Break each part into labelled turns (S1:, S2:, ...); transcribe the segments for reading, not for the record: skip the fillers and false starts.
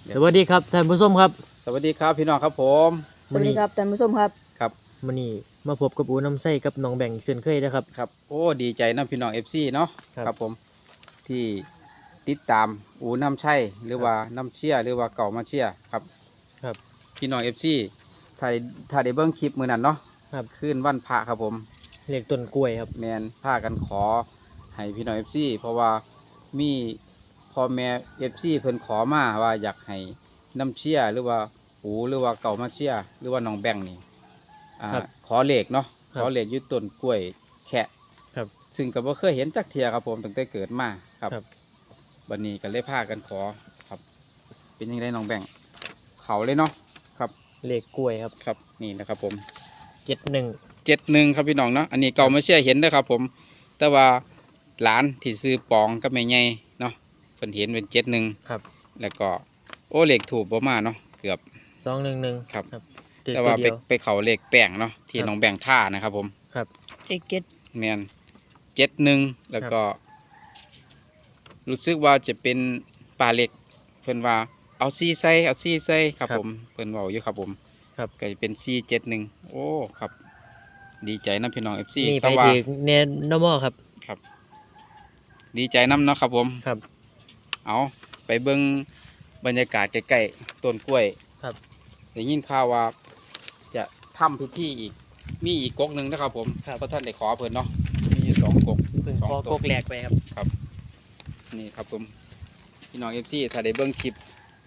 S1: สวัสดีครับท่านผู้ชมครับ
S2: สวัสดีครับพี่น้องครับผม
S3: สวัสดีครับท่านผู้ชมครับ
S2: ครับ
S1: มื้อนี้มาพบกับอูน้ำไส้กับน้องแบ่งเช่นเคยนะครับ
S2: ครับโอ้ดีใจนะพี่น้องFCเนาะครับผมที่ติดตามอูน้ำชัยหรือว่าน้ำเชี่ยหรือว่าเก่ามาเชี่ยครับ
S1: ครับ
S2: พี่น้องFCถ้าได้เบิ่งคลิปมื้อนั้นเนาะ
S1: ครับ
S2: คืนวันพระครับผม
S1: เลขต้นกล้วยครับ
S2: แมนพากันขอให้พี่น้องFCเพราะว่ามีพ่อแม่ FC เพิ่นขอมาว่าอยากให้น้ำเชี่ยหรือว่าอูหรือว่าเก่ามาเชี่ยหรือว่าน้องแบ่งนี่ขอเลขเนาะขอเลขอยู่ต้นกล้วยแคะ
S1: ครับ
S2: ซึ่งก็บ่เคยเห็นจักเทียครับผมตั้งแต่เกิดมาครับวันนี้ก็เลยพากันขอครับเป็นยังไงน้องแบ่งเขาเลยเนาะครับ
S1: เลขกล้วยครับ
S2: ครับนี่นะครับผม
S1: 71
S2: ครับพี่น้องเนาะอันนี้เก่ามาเชี่ยเห็นเด้อครับผมแต่ว่าหลานที่ซื้อปองก็ไม่ใหญ่เนาะเพิ่นเห็นเป็น71
S1: ครับ
S2: แล้วก็โอ้เลขถูกบ่มาเนาะเกือบ
S1: 211
S2: ครับแต่ว่าไปเขาเลขแป้งเนาะที่น้องแบ่งท่านะครับผม
S1: ครับ
S3: เอกเก็ต
S2: แมน71แล้วก็รู้สึกว่าจะเป็นปลาเล็กเพิ่นว่าเอาซี่ใส่ครับผมเพิ่นเว้าอยู่ครับผม
S1: ครับ
S2: ก็จะเป็น471โอ้ครับดีใจนะพี่น้อง FC
S1: นี่ไป
S2: แต่ว่า
S1: ถึงเนนอมอครับ
S2: ครับดีใจน้ำเนาะครับผม
S1: ครับ
S2: เอาไปเบิ่งบรรยากาศใกล้ๆต้นกล้วย
S1: ครับ
S2: ได้ยินข่าวว่าจะทำพิธีอีกมีอีกก๊กหนึ่งนะครับผมเพราะท่านได้ขอเพิ่นเนาะมีอยู่2ก๊ก
S1: เพิ่งขอก๊กแรกไปครับ
S2: ครับนี่ครับผมพี่น้อง FC ถ้าได้เบิ่งคลิป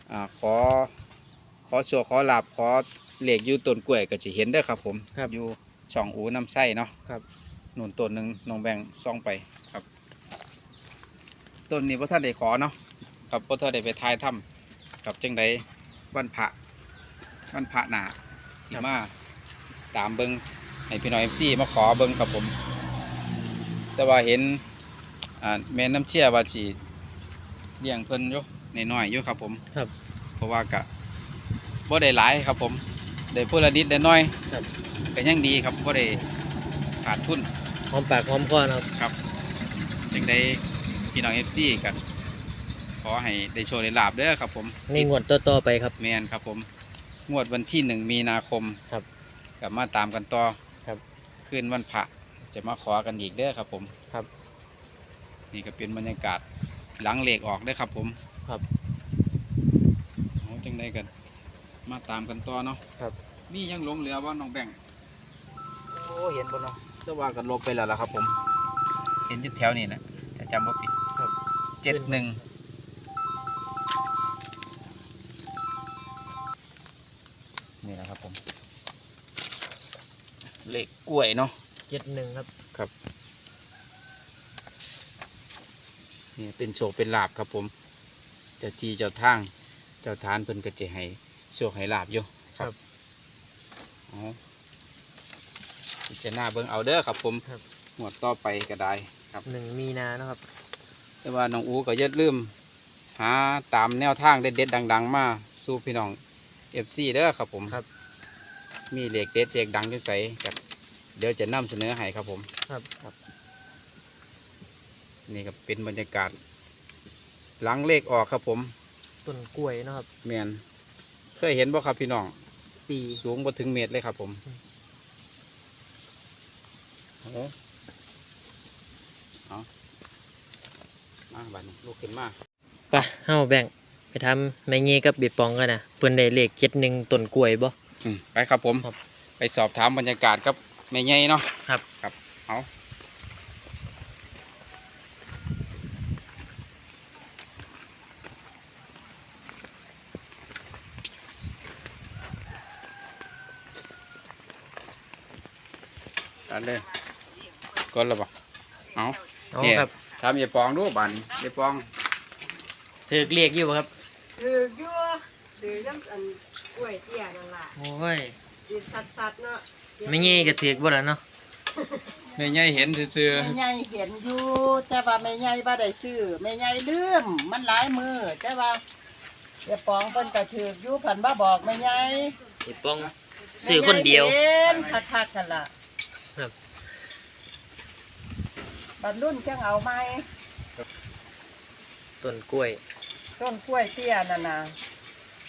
S2: ขอโชว์ขอลาบขอเหล็กอยู่ต้นกล้วยก็จะเห็นได้ครับผมอยู่ช่องอูน้ำไส้เนาะ
S1: ครับ
S2: นุ่นต้นหนึ่งน้องแบ่งซ่องไปครับต้นนี้พระท่านได้ขอเนาะครับพระท่านได้ไปทายถ้ำกับจังใดวันพระหนาสิมาตามเบิ้งให้พี่น้อง FC มาขอเบิ้งครับผมแต่ว่าเห็นแม่น้ำเชี่ยว่าสิเลี้ยงเพิ่นอยู่น้อยๆอยู่ครับผม
S1: ครับ
S2: เพราะว่ากะบ่ได้หลายครับผมได้พูดละนิดได้น้อย
S1: ครับ
S2: ก็ยังดีครับบ่ได้ขาดทุน
S1: หอมปากหอมคอนะครับ
S2: ครับจังได้พี่น้อง FC กันขอให้ได้โชว์ได้ลาบเด้อครับผม
S1: ในงวดต่อไปครับ
S2: แมนครับผมงวดวันที่1 มีนาคม
S1: ครับ
S2: กลับมาตามกันต่อ
S1: ครับ
S2: คืนวันพระจะมาขอกันอีกเด้อครับผม
S1: ครับ
S2: นี่ก็เป็นบรรยากาศหลังเหล็กออกได้ครับผม
S1: ครับ
S2: โอ้จังได้กันมาตามกันต่อเนาะ
S1: ครับ
S2: นี่ยังหลงเหลือว่าน้องแบ่งโอ้เห็นบ่เนาะแต่ว่ากันลบไปแล้วล่ะครับผมเห็นอยู่แถวนี้แหละถ้าจำว่าผิด
S1: ครับ
S2: 71นี่นะครับผมเหล็กกล้วยเนาะ
S1: 71ครับ
S2: ครับนี่เป็นโชคเป็นลาบครับผมเจ้าที่เจ้าทางเจ้าทานเพิ่นก็จะให้โชคให้ลาบอยู่
S1: ครับ
S2: อ๋อจะหน้าเบิ่งเอาเด้อครับผมหมวดต่อไปก็ได้ครับ
S1: 1 มีนานะครับ
S2: แต่ว่าน้องอูก็อย่าลืมหาตามแนวทางเด็ดๆดังๆมาสู่พี่น้อง FC เด้อครับผม
S1: ครับ
S2: มีเลขเด็ดเลขดังอยู่ใส่กับเดี๋ยวจะนำเสนอให้ครับผม
S1: ครับ
S2: นี่ก็เป็นบรรยากาศหลังเลขออกครับผม
S1: ต้นกล้วยนะครับ
S2: แมนเคยเห็นบ่ครับพี่น้อง
S1: ปี
S2: สูงบ่ถึงเมตรเลยครับผมโอ้เอามาบัดนี้ลูกขึ้นมา
S1: ไปเฮาแบ่งไปทำแม่เงี้กับบีบปองกันนะเพิ่นได้เลข71ต้นกล้วยบ่
S2: ไปครับผมไปสอบถามบรรยากาศกับแม่ใหญ่เนาะครับเอาเลยก้นแล้วบ่เอาเนี่ยทำอย่าปองดูบันอย่าปอง
S1: ถือเรียกอยู่ครับ
S3: ถือยั่วถือน้ำอันกล้วยเตี้ยนั่นล่ะ
S1: โอ้ย
S3: ติดสัดเนาะ
S1: ไม่งี้ก็ถือบ่ล่ะเนาะ
S2: แม่ใหญ่เห็นซื่อ
S4: แม่ใหญ่เห็นอยู่แต่ว่าแม่ใหญ่บ่ได้ซื้อแม่ใหญ่ลืมมันหลายมือแต่ว่าเดี๋ยวปองเพิ่นก็ถืออยู่เพิ่นบ่บอกแม่ใหญ่
S1: บีบปองซื้อคนเดียว
S4: เห็นคักๆกันล่ะ
S1: ครับ
S4: บัดรุ่นจังเอาไหม
S1: ต้นกล้วย
S4: เตี้ยนั่นน่ะ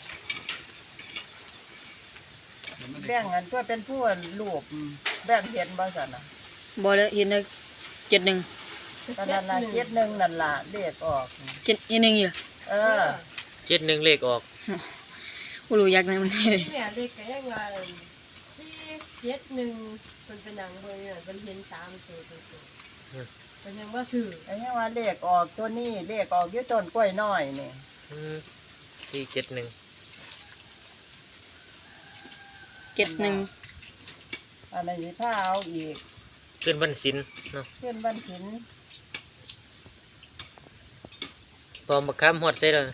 S4: แบ่งกันตัวเป็นผู้รูปแบ่งเห็นบ่ซั่นน่ะ
S5: บ่ได้เห็นได้71
S4: ก็นั่นล่ะเจ็ดหนึ่งนั่นล่ะเลขออก
S5: 71อยู่
S4: เออ
S1: 71เลขออก
S5: บ่รู้อยากได้มันได้
S3: เนี่ยเด็กก็ยังว่า471มันเป็นหนังเบิ่งเนี่ยมันเห็น3ตัวมันยังว่าซื้อ
S4: ไอ้ยังว่าเลขออกตัวนี้เลขออกอยู่ต้นกล้วยน้อยนี่
S1: 471
S5: 71
S4: อันนี้ถ้าเอาอีก
S1: ขึ้นวันศิลป์เนาะ
S4: เพื่อนบ้านหิน
S1: พอมาค้ำฮอดใส่แล้ว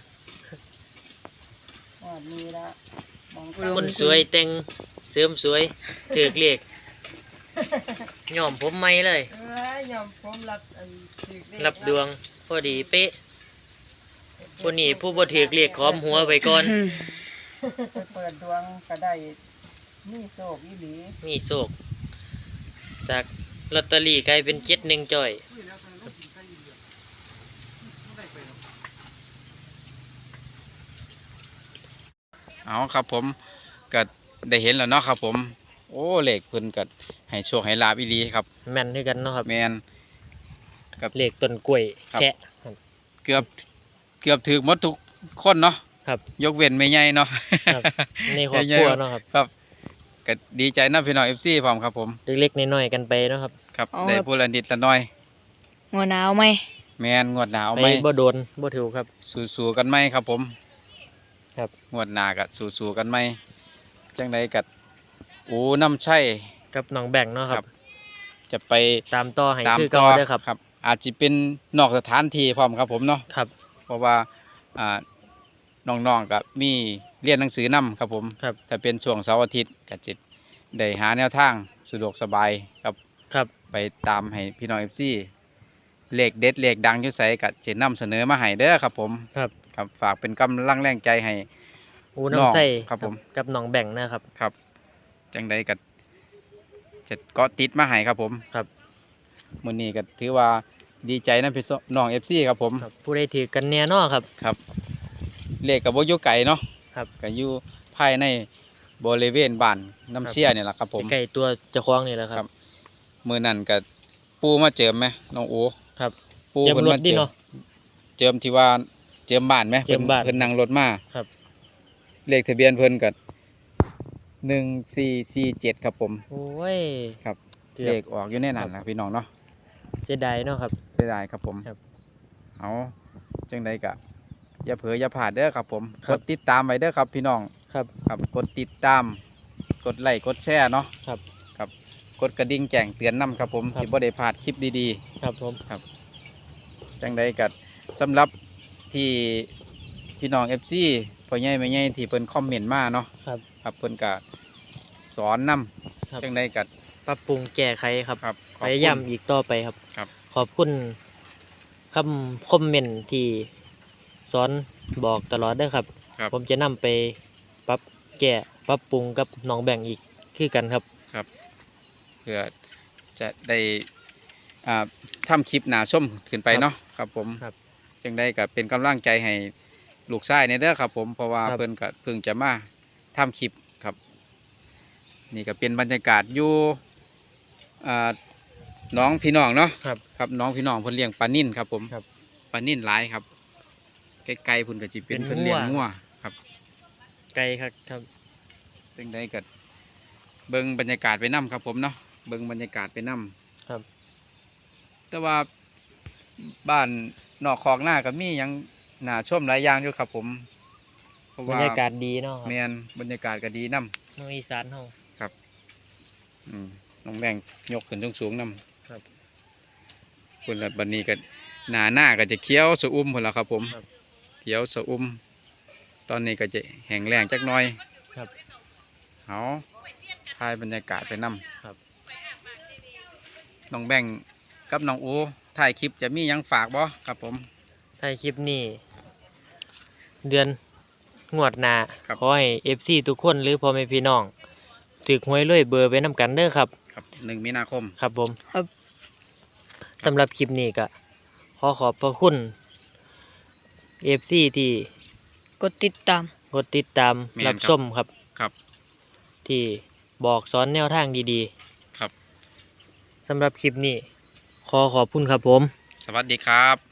S4: มีละมอง
S1: คนสวยแต่งเสริมสวยถือกเลขย่อมผมใหม่เลย
S3: ยอมผมรับอันถือเลข
S1: รับดวงพอดีเป๊ะคนนี้ผู้บ่ถือกเลขขอมหัวไว้ก่อน
S4: ไปเปิดดวงก็ได้มีโศกอีหลี
S1: มีโศกจากลอตเตอรี่กลายเป็น71จ่อย
S2: เอาครับผมก็ได้เห็นแล้วเนาะครับผมโอ้เลขเพิ่นก็ให้โชคให้ลาบอีหลีครับ
S1: แม่นคือกันเนาะครับ
S2: แมน
S1: เลขต้นกล้วย
S2: ครับ
S1: แคะครับ
S2: เกือบถึกหมดทุกคนเนาะ
S1: ครับ
S2: ยกเว้นแม่ใหญ่เนาะ
S1: ครับในครอบครัวเนาะครับ
S2: ครับก็ดีใจนะพี่น้อง FC พร้อมครับผม
S1: เล็กๆน้อยๆกันไปเนาะครับ
S2: ครับ
S5: อ๋อ
S2: ได้ผู้ละนิดละน้อย
S5: หัวหนาวไหม
S2: แมนงวดหน้าเอา
S1: ไป
S2: ไหม
S1: บ่โดนบ่ถูกครับ
S2: สู้ๆกันไหมครับผม
S1: ครับ
S2: งวดหน้าก็สู้ๆกันไหมจังใดก็โอ้น้ำใช่
S1: กับน้องแบ่งเนาะครับ
S2: จะไป
S1: ตามต่อให้
S2: ตาม
S1: คือ
S2: ต่
S1: เก่า
S2: อ
S1: เด้อครับ
S2: ครับ อาจจะเป็นนอกสถานที่พร้อมครับผมเนาะ
S1: ครับ
S2: เพราะว่าอ่าน้องๆกับมีเรียนหนังสือนํครับผม
S1: ครับ
S2: ถ้าเป็นช่วงเสาร์อาทิตย์ก็จะได้หาแนวทางสะดวกสบายครับ
S1: ครับ
S2: ไปตามให้พี่น้องFC เลขเด็ดเลขดังอยู่ไสก็จะนำเสนอมาให้เด้อครับผม
S1: ครับ
S2: ครับฝากเป็นกำลังแรงใจให้
S1: อูน้ำใส่
S2: ครับผม
S1: กับน้องแบ่งนะครับ
S2: ครับจังใดก็จะเกาะติดมาให้ครับผม
S1: ครับ
S2: มื้อนี้ก็ถือว่าดีใจนะพี่น้อง FC ครับผม
S1: ครับผู้ใดถือกันแน่เนอนครับ
S2: ครับเลขกับบ่อยู่ไกลเนาะ
S1: ครับ
S2: ก็อยู่ภายในบริเวณบ้านน้ำเชี่ยนี่แหละครับผม
S1: ใกล้ตัวเจ้าของนี่แหละค
S2: ครั
S1: รับ
S2: บ มื้อนั้นก็ปูมาเจิมไหมน้องโอ
S1: ครับ
S2: ปู
S1: เจิม
S2: เพิ่น
S1: ร
S2: มา
S1: ถดิเนาะ
S2: เจิมที่ว่าเจิมบ้านไหม
S1: เจิมบ้าน
S2: เพิ่นนั่งรถมา
S1: ครับ
S2: เลขทะเบียนเพิ่นก็1447ครับผม
S1: โอ้ย
S2: ครับ
S1: เกือบ
S2: เลขออกอยู่ในนั้นล่ะพี่น้องเนาะ
S1: เสียดายเนาะครับ
S2: เสียดายครับผม
S1: ครับ
S2: เอาจังใดก็อย่าเผลออย่าพลาดเด้อครับผม
S1: ค
S2: ก
S1: รับ
S2: ดติดตามไว้เด้อครับพี่น้อง
S1: ครับ
S2: ครับกดติดตาม กดไลค์กดแชร์เนาะ
S1: ครับ
S2: ครับกดกระดิ่งแจ้งเตือนนํครับผม
S1: ครับ
S2: ที่บ่ได้พลาดคลิปดี
S1: ครับผม
S2: ๆ จังใดก็สำหรับที่พี่น้อง FC พ่อใหญ่แม่ใหญ่ที่เพิ่นคอมเมนต์มาเนาะ
S1: ครับ
S2: ครับเพิ่นก็สอนนํ
S1: ครับ
S2: จังใดก็
S1: ปรับปรุงแก้ไขครับ
S2: ครับข
S1: พ
S2: อบคุณ
S1: ยายามอีกต่อไปครับ
S2: ครับ
S1: ขอบคุณคำคอมเมนต์ที่สอนบอกตลอดเด้อครับ
S2: ครับ
S1: ผมจะนำไปปรับแก้ปรับปรุงกับน้องแบ่งอีกคือกันครับ
S2: ครับเพื่อจะได้ทำคลิปหนาชมขึ้นไป
S1: ครับ
S2: เนาะครับผม
S1: ครับ
S2: จังได้ก็เป็นกำลังใจให้ลูกชายในเด้อครับผมเพราะว่า
S1: ครับ
S2: เพิ่นก็เพิ่งจะมาทำคลิปครับ นี่ก็เป็นบรรยากาศอยู่อ่าน้องพี่น้องเนาะ
S1: ครับ
S2: ครับน้องพี่น้องเพิ่นเลี้ยงปลานิ่นครับผม
S1: ครับ
S2: ปลานิ่นหลายครับไกลๆเพิ่นก็สิเป็น
S1: เป็น
S2: เพิ่นเลี้ยง
S1: งั
S2: งั
S1: ว
S2: วครับ
S1: ไกลครับครับ
S2: จังได้ก็เบิ่งบรรยากาศไปนํครับผมเนาะเบิ่งบรรยากาศไปนํ
S1: ครับ
S2: แต่ว่าบ้านนอกคอกหน้าก็มีหยังน่าชมหลายอย่างอยู่ครับผมเพราะ
S1: บร
S2: ว่าร
S1: ยากาศดีเนาะครับ
S2: แมนบรรยากาศก็ดีนํ
S1: น้องอีสานเฮา
S2: น้องแบงยกขึ้นสูงๆนํ
S1: ครับ
S2: คนละบัดนี้ก็หน้าก็จะเขียวสะอุ้มพุ่นละครับผม
S1: ครับ
S2: เขียวสะอุ้มตอนนี้ก็จะแห้งแล้งจักหน่อย
S1: ครับ
S2: เอาถ่ายบรรยากาศไปนํ
S1: ครับ
S2: น้องแบงกับน้องอูถ่ายคลิปจะมีหยังฝากบ่ครับผม
S1: ถ้าคลิปนี้เดือนงวดหน้า
S2: ครับ
S1: ขอให้ FC ทุกคนหรือพ่อแม่พี่น้องถึกหวยรวยเบอร์ไปนํกันเด้อครับ
S2: ครับ1 มีนาคม
S1: ครับผม
S5: ครับ
S1: สำหรับคลิปนี้ก็ขอขอบพระคุณ FC ที่
S5: กดติดตาม
S1: กดติดตาม
S2: แม่น
S1: รับ
S2: ครับ
S1: ชมครับ
S2: ครับ
S1: ที่บอกสอนแนวทางดี
S2: ครับ
S1: ๆสำหรับคลิปนี้ขอขอบคุณครับผม
S2: สวัสดีครับ